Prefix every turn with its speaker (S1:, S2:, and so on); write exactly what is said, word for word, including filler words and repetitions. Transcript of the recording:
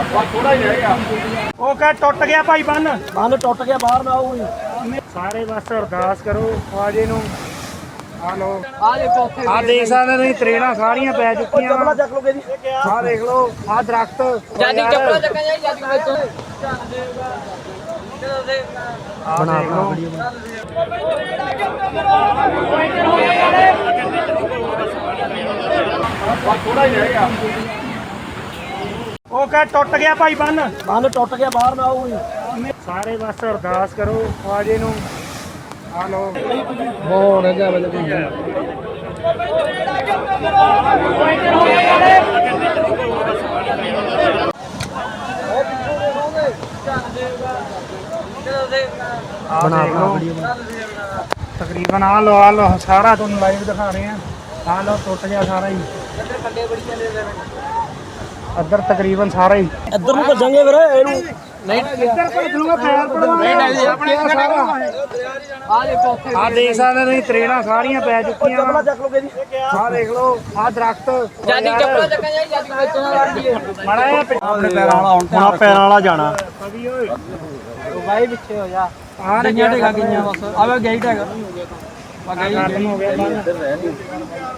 S1: ਥੋੜਾ ਹੀ ਰਹੇਗਾ। ਉਹ ਕਹ ਟੁੱਟ ਗਿਆ ਭਾਈ ਬੰਨ
S2: ਬੰਨ ਟੁੱਟ ਗਿਆ ਬਾਹਰ ਨਾ ਆਉ
S1: ਸਾਰੇ ਬਸ ਅਰਦਾਸ ਕਰੋ ਖਵਾਜੇ ਨੂੰ। ਆ ਲੋ
S2: ਆ ਦੇਖੋ ਉੱਥੇ
S1: ਆ ਦੇਖ ਸਕਦੇ ਤੁਸੀਂ ਤਰੇੜਾਂ ਸਾਰੀਆਂ ਪੈ ਚੁੱਕੀਆਂ
S2: ਚੱਪਲਾਂ ਚੱਕ ਲੋਗੇ ਜੀ
S1: ਆ ਦੇਖ ਲਓ ਆ ਦਰਖਤ
S2: ਜਾਦੀ ਚੱਪਲਾਂ ਚੱਕਾਂ ਜਾਈ ਜਾਦੀ ਵਿੱਚ
S1: ਆ ਦੇਖ ਲਓ ਥੋੜਾ ਹੀ ਰਹੇਗਾ। ਉਹ ਕਹ ਟੁੱਟ ਗਿਆ ਭਾਈ ਬੰਨ
S2: ਬੰਨ ਟੁੱਟ ਗਿਆ ਬਾਹਰ ਨਾ ਆਉ
S1: ਸਾਰੇ ਬਸ ਅਰਦਾਸ ਕਰੋ ਖਵਾਜੇ ਨੂੰ। ਆ ਲੋ
S2: ਹੋ ਨਾ ਜਾ ਬਲੇ
S1: ਬਣਾ ਲਓ ਤਕਰੀਬਨ ਆ ਲੋ ਆ ਲੋ ਸਾਰਾ ਤੁਹਾਨੂੰ ਲਾਈਵ ਦਿਖਾ ਰਹੇ ਆ। ਆ ਲੋ ਟੁੱਟ ਗਿਆ ਸਾਰਾ ਹੀ ਅੱਧਰ ਤਕਰੀਬਨ ਸਾਰਾ ਹੀ
S2: ਇੱਧਰ ਨੂੰ ਭੱਜਾਂਗੇ ਫਿਰ ਇਹਨੂੰ ਨਹੀਂ
S1: ਇੱਧਰ ਭੱਜ ਲੂਗਾ ਪੈਰ ਪੜਵਾਉਣਾ ਨਹੀਂ ਆਪਣੇ ਸਾਰਾ
S2: ਆ ਦੇਖੋ ਉੱਥੇ
S1: ਆ ਦੇਖ ਸਕਦੇ ਤੁਸੀਂ ਤਰੇੜਾਂ ਸਾਰੀਆਂ ਪੈ ਚੁੱਕੀਆਂ
S2: ਚੱਪਲਾਂ ਚੱਕ ਲੋਗੇ ਜੀ
S1: ਆ ਦੇਖ ਲਓ ਆ ਦਰਖਤ
S2: ਜਾਦੀ ਚੱਪਲਾਂ ਚੱਕਾਂ ਜਾਈ ਜਾਦੀ ਵਿੱਚ ਨਾ ਵੜ ਜੀਏ
S1: ਮਾੜਾ ਜਿਹਾ
S2: ਆਪਣੇ ਪੈਰਾਂ ਵਾਲਾ ਹੁਣ
S1: ਹੁਣ ਪੈਰਾਂ ਵਾਲਾ ਜਾਣਾ ਕਦੀ ਓਏ
S2: ਬਾਈ ਪਿੱਛੇ ਹੋ ਜਾ
S1: ਆ
S2: ਗਈਆਂ ਢੇਗਾ ਗਈਆਂ ਬਸ ਆਵੇ ਗਈ ਢੇਗਾ ਆ ਗਈ
S1: ਖਤਮ ਹੋ ਗਿਆ